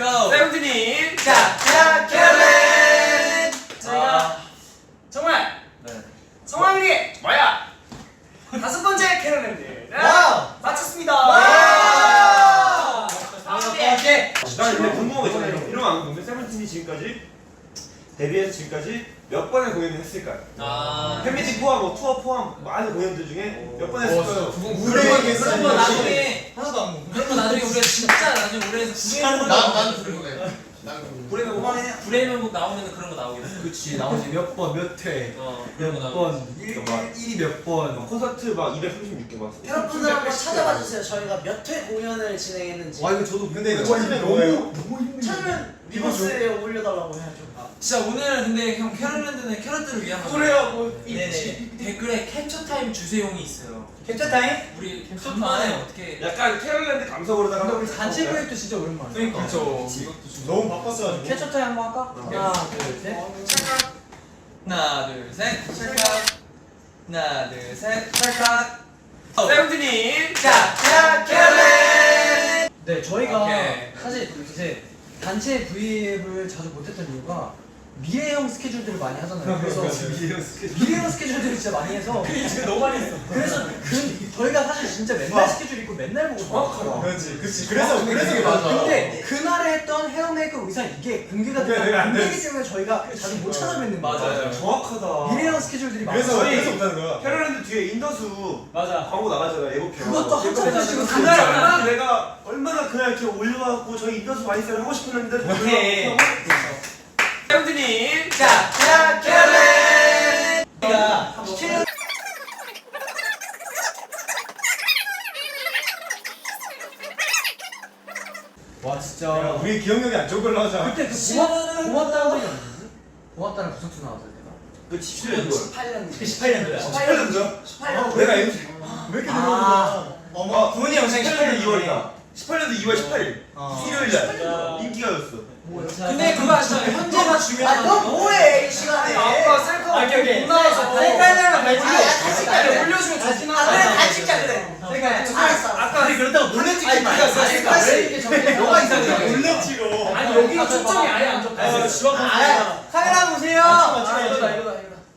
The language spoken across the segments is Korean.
고! 세븐틴이 자, 캐롤! 저희가 정말 성황리에 뭐야? 5번째 캐롤랜드 와우! 마쳤습니다. 와우! 성황리에 나 근데 궁금한 거 있잖아요. 이러면 안 궁금해. 세븐틴이 지금까지 데뷔해서 지금까지 몇 번의 공연을 했을까요? 팬미팅 포함, 뭐 투어 포함 많은 공연들 중에 몇 번 했을까요? 그런 거 나중에 하나도 안 궁금해. 그런 거 나중에 우리가 진짜 나중에 우리에서 나도 궁금해. 불에는 뭐 브레이먼북 나오면 그런 거 나오겠어. 그치 나머지 몇 번 몇 회, 그런 거 몇 나오겠어. 번, 일이 몇 번. 콘서트 막 236개 막. 여러분들 한번 찾아봐 주세요. 저희가 몇 회 공연을 진행했는지. 와 이거 저도 근데 이거 그거 찾으면 너무 뭐예요? 너무 힘든. 찾으면 리버스에 올려달라고 해야죠. 진짜 오늘은 근데 형 캐롤랜드는 캐럿들을 위한 거죠. 그래요, 뭐 네네. 댓글에 캡처 타임 주세용이 있어요. 캡처 타임? 우리 간만에 어떻게 약간 캐롤랜드 감성으로다가 한번 단체 브레이크도 진짜 오랜만에. 그러니까. 그렇죠. 너무 바빴어가지고. 캐쳐 타임 한번 할까? 하나, 둘, 셋. 하나 둘 셋. 찰칵. 하나 둘 셋. 찰칵. 세븐틴이 자, 캐롤! 네 저희가 오케이. 사실 이제 단체 V앱을 자주 못했던 이유가 미래형 스케줄들을 많이 하잖아요. 그래서 미래형 스케줄들을 진짜 많이 해서 진짜 너무 많이 했어. 그래서 저희가 사실 진짜 맨날 스케줄 있고 맨날 보고 정확하다. 그렇지. 그래서 이게 맞아. 근데 그날에 했던 헤어 메이크업 의상 이게 공개가 내가 안 되기 때문에 저희가 자주 못 찾아뵙는 거예요. 맞아요. 정확하다. 미래형 스케줄들이 그래서 많아요. 그래서 못하는 거야. 캐롤랜드 뒤에 인더수 맞아. 광고 나가잖아. 예고편. 그것도 한참 찍었어요. 그날 얼마나 내가 얼마나 그날 이렇게 올려갖고 저희 인더수 많이 써를 하고 싶었는데 오케이. 세븐틴이 자, 캐롤! 우리가 와 진짜 우리 기억력이 안 좋은 걸로 하자. 그때 그 고맙다는 적이 없는지? 고맙다는 구석수 나왔을 때가 그 17년도 18년. 18년도야. 18년도죠? 18년. 내가 MC 왜 이렇게 놀라는 거야? 어머 부모님 영상이 18년도 2월이다 18년도 2월 18일 일요일날 인기가였어 근데 그거 아시잖아요. 현재가 중요한 너 뭐해 이 시간에? 아빠 셀카 오케이. 못 나와서 셀카에다가 아, 같이 찍자 그래. 올려주면 좋지. 아 그래 같이 찍자 그래. 알았어. 아까 그렇다고 몰래 찍지 아니 말자. 그러니까 셀카 너가 이상해. 몰래 찍어. 아니 여기가 초점이 아예 안 좋다. 카메라 보세요. 아, 이거다.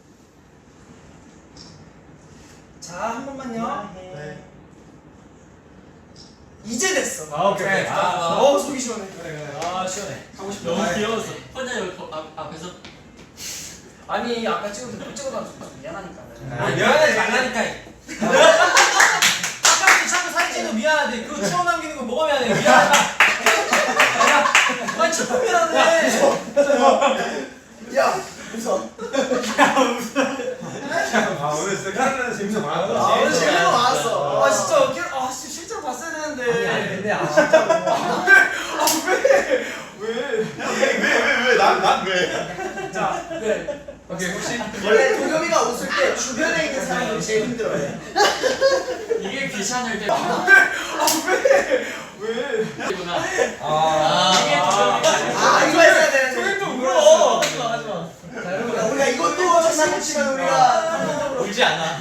자, 한 번만요. 네. 이제 됐어. 아 오케이. 속이 시원해. 아 시원해. 하고 싶다. 너무 귀여웠어. 혼자 여기 앞에서 아니, 아까 찍어도 못 찍어가지고 미안하니까. 미안하지 말라니까. 아까부터 자꾸 사진 찍는 거 미안하대. 그거 추억 남기는 거 뭐가 미안해? 미안하다. 아니 진짜 미안해. 야 웃어. 아 오늘 진짜 캐롤랜드 재밌어 많았다 아 오늘 재밌는 거 많았어. 아, 진짜 실제로 봤어야 되는데. 아니 근데 진짜로 난 왜? 자, 네. 오케이 혹시 원래 도겸이가 웃을 때 주변에 있는 사람이 제일 힘들어해. 이게 귀찮을 때. 왜? 구나. 아 이거 했어야 되는데. 또 울어. 자 여러분 우리가 이것도 장난치면 우리가 감동적으로. 울지 않아.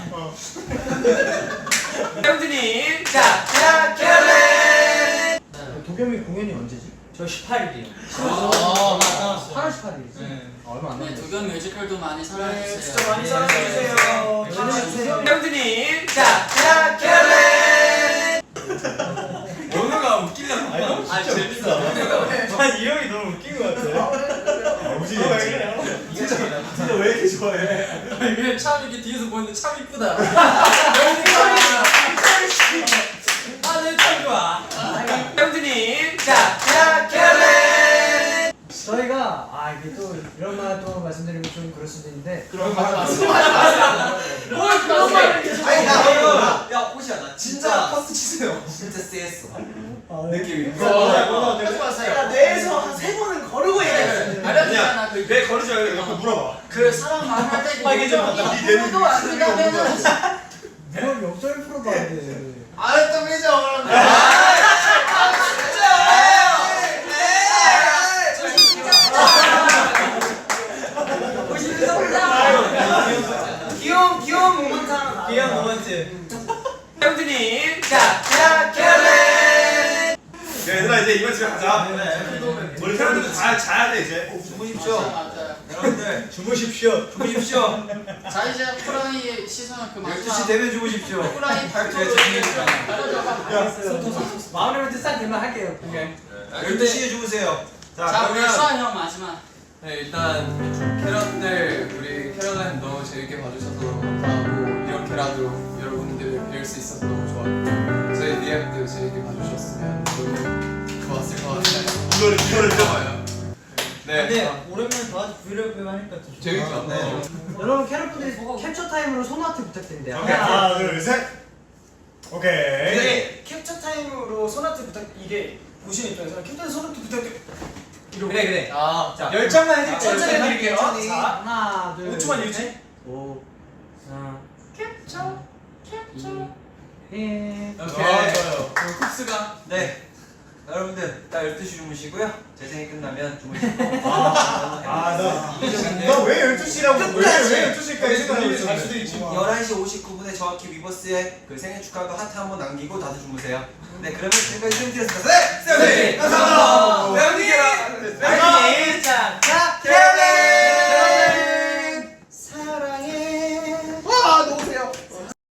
세븐틴이 자, 캐롤! 도겸이 공연이 언제지? 저 18일이요. 8월 18일이지? 얼마 안 남았네. 도겸 뮤지컬도 많이 사랑해주세요. 진짜 많이 사랑해주세요. 세븐틴이 자, 캐롤! 연우가 웃기려고. 아 재밌어. 난 이 형이 너무 웃긴 것 같아. 우진이 진짜 왜 이렇게 좋아해? 이게 참 이렇게 뒤에서 보는데 참 이쁘다. 아내참 좋아. 세븐틴이 자, 캐롤! 저희가 이게 또 이런 말 또 말씀드리면 좀 그럴 수도 있는데 그런 거 하지 뭘 그런 말을 계속 아니 나 야 옷이야 나 진짜 파스 치세요. 진짜 쎄했어. 느낌이. 내가 뇌에서 한 3번은 거르고 얘기했어. 알려주잖아 그. 내 거르지 말고 옆에 물어봐 그 사람 만날 때 빨개 좀 봤다. 네 내눈 그거 안 된다면은 그럼 역설 프로도 안 돼. 아또 왜죠? 귀여운 모먼트 하나. 귀여운 모먼트. 세븐틴이 자, 캐롤! 얘들아 이제 이번 집에 가자 자야 돼 이제. 주무십시오. 맞아요. 여러분들 주무십시오. 주무십시오. 자 이제 호랑이의 시선을 그 12시 마지막 되면 주무십시오. 호랑이 발톱을 마음의 멘트 싹 되면 할게요. 그냥. 12시에 주무세요. 자 우리 그러면 수아 형 마지막. 네, 일단 캐럿들 우리 캐럿라인 너무 재밌게 봐주셔서 너무 감사하고 이런 캐럿으로 여러분들을 뵐 수 있어서 너무 좋았고 저희 리앱도 재밌게 봐주셨으면 너무 좋았을 것 같아요. 이거를 좋아요. 네, 근데 오랜만에 다 같이 브이로그 하니까 좀 재밌죠. 네. 여러분 캐럿분들이 캡처 타임으로 손아트 부탁드립니다. 하나 둘 셋. 오케이. 네. 캡처 타임으로 소나트 부탁 이게 보시는 입장에서 캡처 소나트 부탁드려. 그래. 아, 자, 10장만 해드릴게요. 천천히 해드릴게요. 천천히. 자, 하나, 둘, 5초만 유지. 5, 4, 캡처. 1. 좋아요. 쿱스가 네. 여러분들 딱 12시 주무시고요. 재생이 끝나면 주무시고. 나왜 12시라고 왜 12시까지 생각하고 있어? 수도 있지. 11시 59분에 정확히 위버스의 그 생일 축하도 하트 한번 남기고 다들 주무세요. 네, 그러면 지금까지 쌤들이었습니다. 네! 쌤들! 감사합니다! 네, 언니! 자,